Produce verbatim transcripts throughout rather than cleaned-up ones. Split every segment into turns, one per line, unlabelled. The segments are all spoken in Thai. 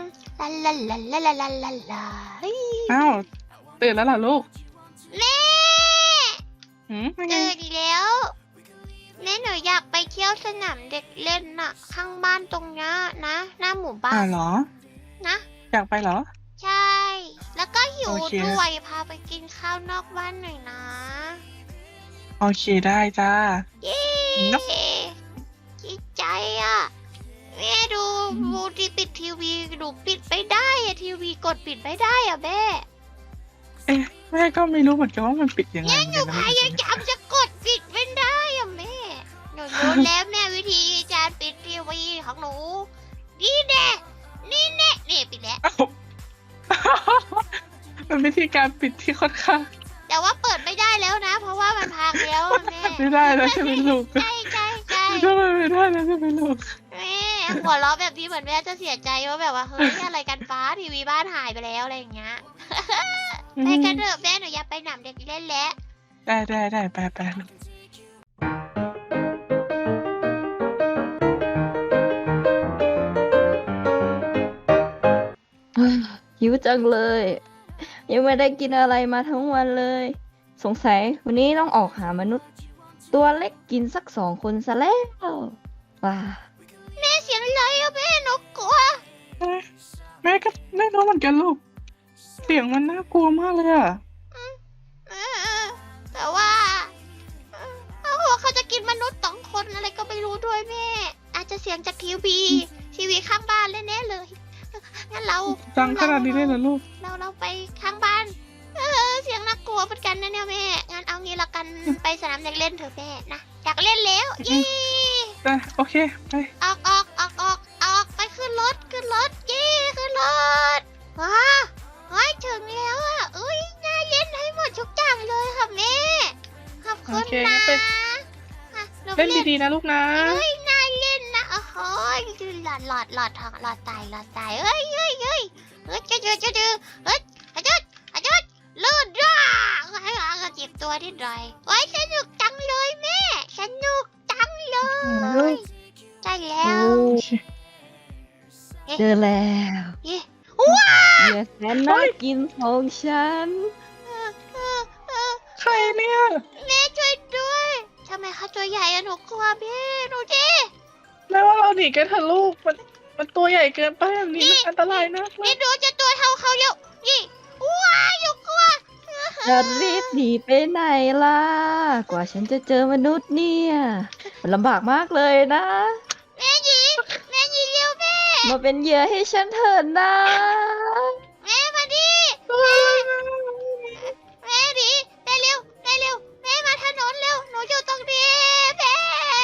ลาลาลาลาลาลาลาลา
อ้าวตื่นแล้วเหรอลูก
แม่
หืม
ตื่นแล้วแม่หนูอยากไปเที่ยวสนามเด็กเล่นน่ะข้างบ้านตรงนี้นะหน้าหมู่บ้า
อ่าน เหรอ
นะ
อยากไปเหรอ
ใช่แล้วก็หิว
โอเค
ด้วยพาไปกินข้าวนอกบ้านหน่อยนะ
โอเคได้จ้า
เย้
เนาะ
ดีใจอ่ะแม่ดูดูที่ปิดทีวีดูปิดไม่ได้อะทีวีกดปิดไม่ได้อ่ะแม่
เอ๊ะแม่ก็ไม่รู้เหมือนกันว่ามันปิดยังไง
หนู
เหมือน
พ
กันนะ
ยายามจะกดปิดไม่ได้อ่ะแม่หนูรู้แล้วแม่วิธีการปิดทีวีของหนูนี่แน่นี่แน่นี่ปิดแล้ว
อ้าวเป็นวิธีการปิดที่ค่อนข้าง
แต่ว่าเปิดไม่ได้แล้วนะ เพราะว่ามันพังแล้วอะแม่
ไม่ได้แล้วใช่ไหมลูก
ใช่ใช่ใช่
ทำไมไม่ได้แล้วใช่ไหมลูก
แม่หัวเราะแบบนี้เหมือนแม่จะเสียใจว่าแบบว่าเฮ้ยอะไรกันฟ้าทีวีบ้านหายไปแล้วอะไรอย่างเงี้ยไปกันเถอะแม่หนูอยากไปหนามเด็กเล่นแล้ว
ได้ได้ได้ไปไปลูก
หิวจังเลย ยังไม่ได้กินอะไรมาทั้งวันเลย สงสัยวันนี้ต้องออกหามนุษย์ ตัวเล็กกินสักสองคนซะแล้วว้า
แม่เสียงอะไรอะแม่หนูกลัว
แม่ก็ไม่รู้เหมือนกันลูกเสียงมันน่ากลัวมากเลยอะ
เออแต่ว่าเออเขาบอกเขาจะกินมนุษย์สองคนอะไรก็ไม่รู้ด้วยแม่ อาจจะเสียงจากทีวีทีวีข้างบ้านแน่ๆเลยงั้นเรา
ดังขนาดนี้เลยเหรอลูก
เราเราไปข้างบ้าน เออเสียงน่ากลัวเหมือนกันนะเนี่ยแม่ งั้นเอางี้ละกันไปสนามเด็กเล่นเถอะแม่นะอยากเล่นแล้วเย้
ได้โอเคไป
ออกออกออกออกออกไปขึ้นรถขึ้นรถเย้ขึ้นรถว้าเฮ้ยถึงแล้วอ่ะอุ้ยน่าเล่นให้หมดทุกอย่างเลยค่ะแม่ขอบคุณนะอ่ะหนู
เล่นดีๆนะลูกนะ
เฮ้ยน่าเล่นนะโอ้โหหลอดหลอดหลอดทองหลอดตายหลอดตายเฮ้ยเฮ้ยเฮ้ยเฮ้ยจะจะจะจะเฮ้ยอาจุดอาจุดลื่นร่าเฮ้ยก็เจ็บตัวนิดหน่อยเฮ้ยสนุกจังเลยแม่สนุกจังเลยใช่แล้
โอ้
ว
เจอแล้ว
เย้ว้า
เหยื่อแสนน่ากินของฉัน
เออเออเออ
ใครเนี่ย
แม่ช่วยด้วยทำไมเขาตัวใหญ่อะหนูกลัวพี่หนูดิ
แม่ว่าเราหนีกันเถอะลูกมันมันตัวใหญ่เกินไปแบบนี้มันอันตรายนะ
นี่หนูจะตัวเท่าเขาแล้วนี่ว้าหนูกลัว
จะรีบหนีไปไหนล่ะ กว่าฉันจะเจอมนุษย์เนี่ยมันลำบากมากเลยนะ
แม่หญิงแม่หญิงเร็วแม่
มาเป็นเหยื่อให้ฉันเถิดนะ
แม่มาดิแม่ดิแม่เร็วแม่เร็วแม่มาถนนเร็วหนูอยู่ตรงนี้แม่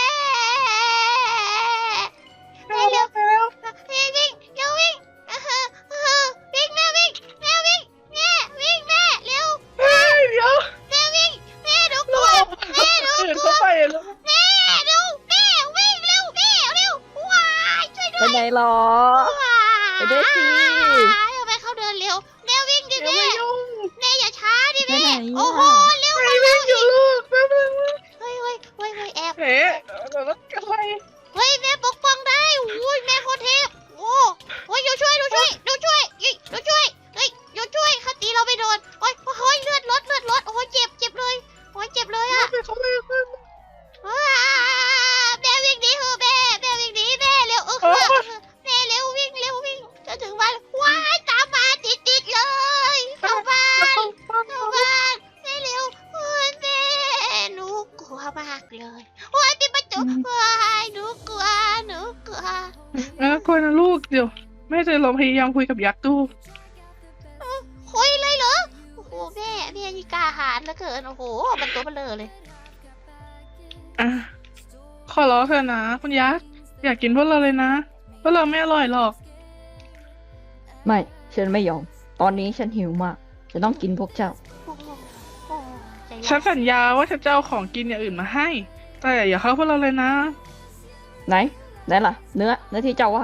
แม่เร็วแม่วิ่งเร็ววิ่งเออเออวิ่งแม่วิ่งแม่วิ่งแม่วิ่งแม่เร็ว
เฮ้ยเดี๋ยว
แม่วิ่งแม่หนูกลัวแม่หนู
เห็น
กลั
เขา
ว
ไปแล้ว
แม่ดูแม่วิ่งเร็วแม่เร็วว้ายช่วย
ไป
ด้วย
ไหนหรอ
ว้าย
ไปด้วยสิ
ทำไมเขาเดินเร็วแม่วิ่งดิ
เดี๋ยว
แม่
ไม่ยุ่ง
แม่อย่าช้าดิ
ไป
แม่
ไหน
โอ้โห
อ่ะ
เร็ว
ไม่
มา
วิ่
แล้
ง
ว
อยู่ลูกแป๊บนึง
เฮ้ยเฮ้ยเฮ้ยเฮ้ยแอบ
เฮ้ยเราต้องอะไร
เฮ้ยแม่ปกป้องได้อุ้ยแม่โคตรเทพโอ้โอ้ยอยู่ช่วยดูช่วยดูช่วยยิงดูช่วยเฮ้ยอยู่ช่วยเขาตีเราไม่โดนโอ้ยโอ้ยเลือดลดเลือดลดโอ้ยเจ็บเจ็บเลยโอ้ยเจ็บเลยอะ
ไม่เขาเลย
ว้าแม่วิ่งหนีเถอะแม่แม่วิ่งหนีแม่เร็วเออแม่เร็ววิ่งเร็ววิ่งจะถึงบ้านว้ายตามมาติดติดๆเลยเข้าบ้านเข้าบ้านแม่เร็วโอ้ยแม่หนูกลัวมากเลยโอ้ยปิดประตูว้ายหนูกลัวหนูกลัว
เออกลัวนะลูกเดี๋ยวแม่จะลองพยายามคุยกับยักษ์ดู
คุยเลยเหรอโอ้โหแม่แม่นี่กล้าหาญเหลือเกินโอ้โหมันตัวเบลอเลย
อ่ะขอร้องเถอะนะคุณยักษ์อยากกินพวกเราเลยนะพวกเราไม่อร่อยหรอก
ไม่ ฉันไม่ยอม ตอนนี้ฉันหิวมาก จะต้องกินพวกเจ้า
โอ้โหโอ้โหใจ
ฉัน
ร้าย
สัญญาว่าฉันจะเอาของกินอย่างอื่นมาให้ แต่อย่าเข้าพวกเราเลยนะ
ไหน ไหนล่ะ เนื้อ เนื้อที่เจ้าว่า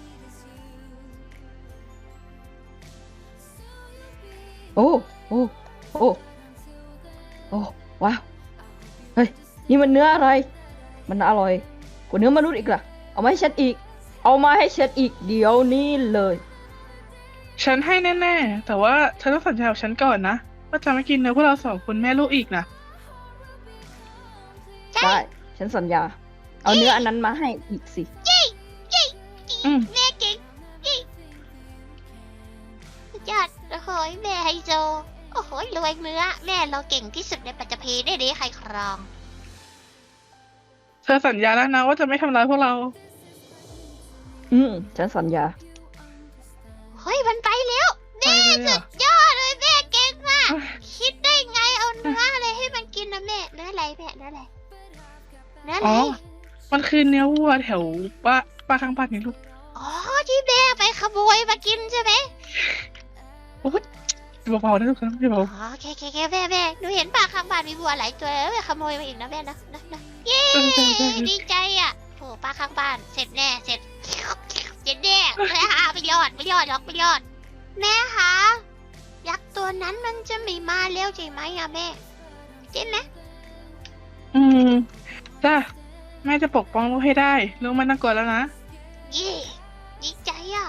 โอ้ โอ้ โอ้ โอ้ ว้าว เฮ้ย นี่มันเนื้ออะไร มันอร่อยกว่าเนื้อมนุษย์อีกล่ะ เอามาให้ฉันอีก เอามาให้ฉันอีก เดี๋ยวนี้เลย
ฉันให้แน่ๆ แต่ว่าเธอต้องสัญญากับฉันก่อนนะว่าจะไม่กินเนื้อพวกเราสองคนแม่ลูกอีกนะ
ใช่
ได้ ฉันสัญญา เอาเนื้ออันนั้นมาให้อีกสิ
ยี่ยี่
อืม
แม่เก่งยี่สุดยอดโอ้โหแม่ไฮโซโอ้โหรวยเนื้อแม่เราเก่งที่สุดในปัจจพีได้ดีใครครอง
เธอสัญญาแล้วนะว่าจะไม่ทำร้ายพวกเรา
อืม ฉันสัญญา
เฮ้ยมันไปแล้ว
ไป
แม่
เลย
สุ
อ่ะ
ดยอดเลยแม่เก่งมาก
เอ้ย
คิดได้ไงเอาเนื้ออะไรให้มันกินนะแม่เนื้ออะไรแม่เนื้ออะไรเนื้ออะไร
อ๋อ มันคือเนื้อวัวแถวป้าป้าข้างบ้านนี่ลูก
อ๋อที่แม่ไปขโมยมากินใช่ไหม
โอ้ยเบาๆนะลูกนะเบา
อ๋อแค่แค่แค่แม่แม่หนูเห็นป่าข้างบ้านมีวัวหลายตัวแล้วแม่ขโมยมาอีกนะแม่นะนะนะเย้
ๆเออใช่ใช่
ดีใจอ่ะโอ้ป้าข้างบ้านเสร็จแน่เสร็จเสร็จแน่เลยฮะไม่รอดไม่รอดหรอกไม่รอด แม่คะยักษ์ตัวนั้นมันจะไม่มาแล้วใช่ไหมอะแม่ใช่ไหม
อืมจ้าแม่จะปกป้องลูกให้ได้ลูกไม่ต้องกลัวแล้วนะ
เย่ดีใจอ่ะ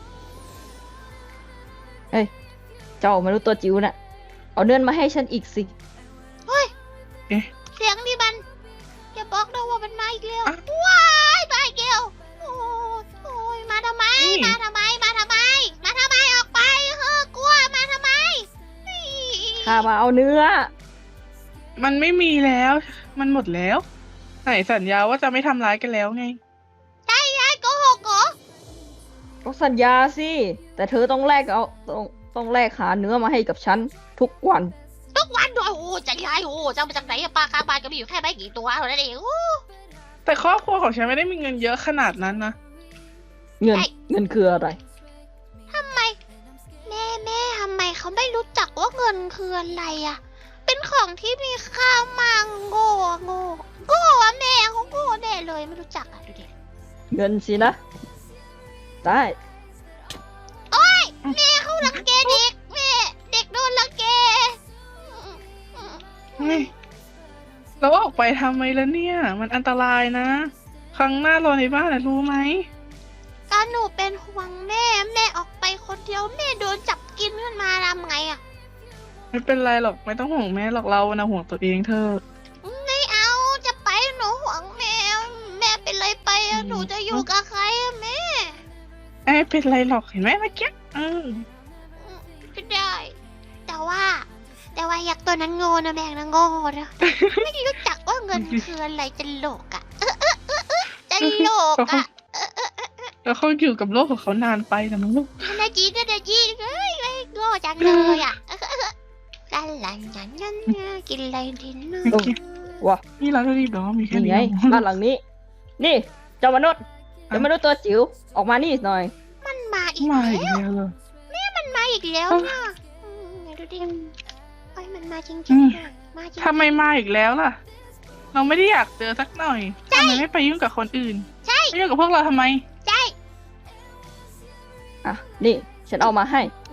เจ้ามนุษย์ตัวจิ๋วน่ะ เอาเนื้อมาให้ฉันอีกสิ
เฮ้ย
เอ๊ะ
เสียงนี่มันอย่าบอกนะว่ามันมาอีกแล้ว
อ่ะ
ว้ายมาอีกแล้วโอ้ยโอ้ยมาทำไม
นี่
มาทำไมมาทำไม มาทำไมออกไปเฮ้อกลัวมาทำไม
ข้ามาเอาเนื้อ
มันไม่มีแล้ว มันหมดแล้ว ไหนสัญญาว่าจะไม่ทำร้ายกันแล้วไง
ใช่ไอ้โกหกเหรอ
ก็สัญญาสิ แต่เธอต้องแลกเอาต้องต้องแลกหาเนื้อมาให้กับฉันทุกวัน
ทุกวันด้วยโอ้ใจร้ายโอ้จะเอามาจากไหนอะปลาข้างบ้านก็มีอยู่แค่ไม่กี่ตัวเท่านั้นเองโอ้
แต่ครอบครัวของฉันไม่ได้มีเงินเยอะขนาดนั้นนะ
เงิน
ไอ้
เงินคืออะไร
ทำไม แม่แม่ทำไมเขาไม่รู้จักว่าเงินคืออะไรอะเป็นของที่มีค่ามากโง่อะโง่โง่อะแม่เขาโง่แน่เลยไม่รู้จักอะดูดิ
เงินสินะ ได้
โอ้ยแม่เขารังแกเด็กแม่เด็กโดนรังแกอืมอืม
เฮ้ยเราออกไปทำไมล่ะเนี่ย มันอันตรายนะ ครั้งหน้ารอในบ้านนะรู้ไหม
ก็หนูเป็นห่วงแม่แม่ออกไปคนเดียวแม่โดนจับกินขึ้นมาทำไงอะ
ไม่เป็นไรหรอกไม่ต้องห่วงแม่หรอกเรานะห่วงตัวเองเธอะ
ไม่เอาจะไปหนูห่วงแม่แม่เป็นไรไปอะหนูจะอยู่กับใครอะแม่
ไม่เป็นไรหรอกเห็นไหมเมื่อกี้เออ
อืมก็ได้ แต่ว่า แต่ว่ายักษ์ตัวนั้นโง่นะแม่งนะโง่นะ ไม่รู้จักว่าเงินคืออะไรจะโลกอะเออเออเออเออจะโลกอะ
แล้วเขาอยู่กับโลกของเขานานไปนะมั้งลูก
นาจีนาจีเฮ้ยไม่โง่จังเลยอะเออเออเออลันลันยันยันกินอะไรดินนะ
เมื่อกี้
ว่ะ
นี่เราจะรีบเหรอมีแค่
นี่
นี้
ไง
เหรอ
บ้านหลังนี้ นี่ เจ้ามนุษย์ เจ้ามนุษย์ตัวจิ๋ว ออกมานี่หน่อย
มันมาอีก
มา
แล้
อีก
ว
แล้วเหรอ
มันมาอีกแล้ว
เอ้า
เนี่ยอืมไหนดูดิไอ้ยมันมาจริง
อืม
ๆอะมาจริง
ทำไมมาอีกแล้วล่ะ เราไม่ได้อยากเจอสักหน่อยทำไมไม่ไปยุ่งกับคนอื่น
ใช่
ไม่ยุ่งกับพวกเราทำไม
ใช่
อ่ะ นี่ ฉันเอามาให้
โอ้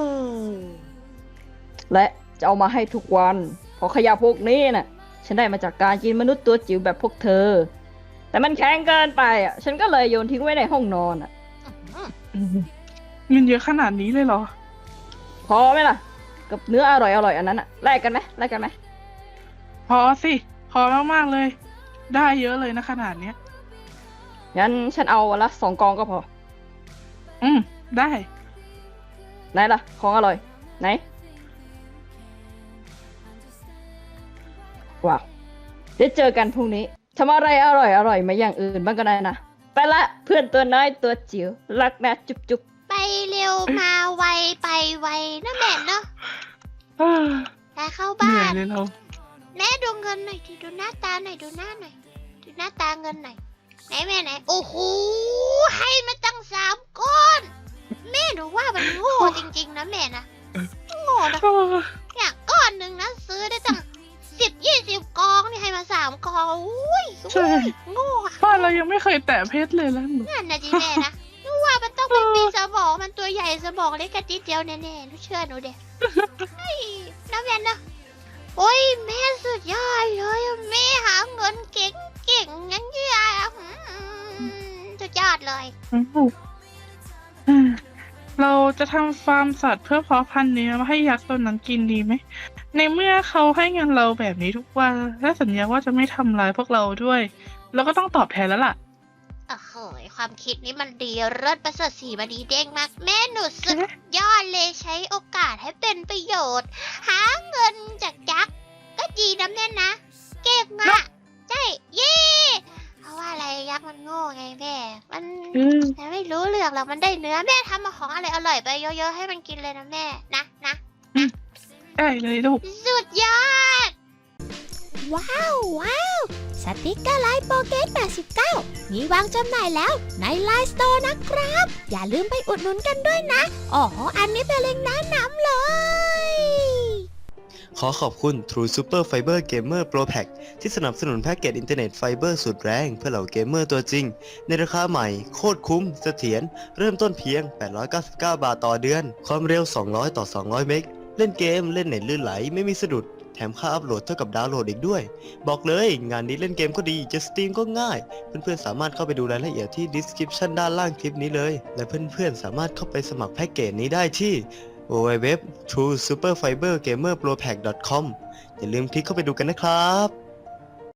และจะเอามาให้ทุกวัน เพราะขยะพวกนี้น่ะ ฉันได้มาจากการกินมนุษย์ตัวจิ๋วแบบพวกเธอ แต่มันแข็งเกินไปอ่ะ ฉันก็เลยโยนทิ้งไว้ในห้องนอนอ่ะ
เงินเยอะขนาดนี้เลยเหรอ
พอไหมล่ะ กับเนื้ออร่อยอร่อยๆอันนั้นอ่ะ แลกกันไหมแลกกันไหม
พอสิ พอมากๆเลย ได้เยอะเลยนะขนาดเนี้ย
งั้นฉันเอาวันละสองกองก็พอ
อืม ได้
ไหนล่ะ ของอร่อย ไหน ว้าวเดี๋ยวเจอกันพรุ่งนี้ทำอะไรอร่อยอร่อยมาอย่างอื่นบ้างก็ได้นะ ไปละเพื่อนตัวน้อยตัวจิ๋วรักนะจุ๊บจุ๊บ
ไปเร็วมาไวไปไวนะแม่เนาะ
อ่า
แต่เข้า
เหนื่
บ้า
อย
น
เลยเรา
แม่ดูเงินหน่อยดิดูหน้าตาหน่อยดูหน้าหน่อยดูหน้าตาเงินหน่อยไหนแม่ไหนโอ้โหให้มาตั้งสามก้อน แม่หนูว่ามันโง่จริงๆนะแม่นะโง่นะเนี่ยก้อนหนึ่งนะซื้อได้ตั้งสิบยี่สิบกองนี่ให้มาสามกองอุ้ย
ใช่
โง่อะ
บ้านเรายังไม่เคยแตะเพชรเลยแล้วหนู
นั่นนะจีแม่นะหนูว่ามันต้องเป็นมีสมองมันตัวใหญ่สมองเล็กกระจิดเดียวแน่ๆหนูเชื่อหนูเด็เฮ้ยนะแม่นะโอ้ยแม่สุดยอดเลยอะแม่หาเงินเก่งเก่งๆงั้นยี่อะอืมสุดยอดเลย
อ้าวอ่าเราจะทำฟาร์มสัตว์เพื่อเพาะพันธุ์เนื้อมาให้ยักษ์ตัวนั้นกินดีไหม ในเมื่อเขาให้เงินเราแบบนี้ทุกวันและสัญญาว่าจะไม่ทำร้ายพวกเราด้วย เราก็ต้องตอบแทนแล้วล่ะ
โอ้โหความคิดนี้มันดีเลิศประเสริฐสีมาดีเด้งมากแม่หนูสุดยอดเลยใช้โอกาสให้เป็นประโยชน์ หาเงินจากยักษ์ก็ดีนะแม่นะ เก่งอะใช่เย่เพราะว่าอะไรยักษ์มันโง่ไงแม่ มัน
อืม
แต่ไม่รู้เรื่องหรอกมันได้เนื้อแม่ทำมาของอะไรอร่อยไปเยอะๆให้มันกินเลยนะแม่นะนะ
ได้เลยลูก
สุดยอด ว้าว ว้าว สติกเกอร์ไลน์โปเกตแปดสิบเก้ามีวางจำหน่ายแล้วในไลน์สโตร์นะครับ อย่าลืมไปอุดหนุนกันด้วยนะ อ๋อ อันนี้เป็นเล็งก์แนะนำเลย
ขอขอบคุณ True Super Fiber Gamer Pro Pack ที่สนับสนุนแพ็กเกจอินเทอร์เน็ตไฟเบอร์สุดแรงเพื่อเหล่าเกมเมอร์ตัวจริง ในราคาใหม่โคตรคุ้มเสถียรเริ่มต้นเพียง แปดร้อยเก้าสิบเก้า บาทต่อเดือน ความเร็ว สองร้อย ต่อ สองร้อย เมก เล่นเกมเล่นเน็ตลื่นไหลไม่มีสะดุด แถมค่าอัพโหลดเท่ากับดาวน์โหลดอีกด้วย บอกเลยงานนี้เล่นเกมก็ดีจะสตรีมก็ง่าย เพื่อนๆสามารถเข้าไปดูรายละเอียดที่ description ด้านล่างคลิปนี้เลย และเพื่อนๆสามารถเข้าไปสมัครแพ็กเกจนี้ได้ที่ ดับเบิลยู ดับเบิลยู ดับเบิลยู ดอท ทรู ซูเปอร์ ไฟเบอร์ เกมเมอร์ โปร แพ็ก ดอท คอม อย่าลืมคลิกเข้าไปดูกันนะครับ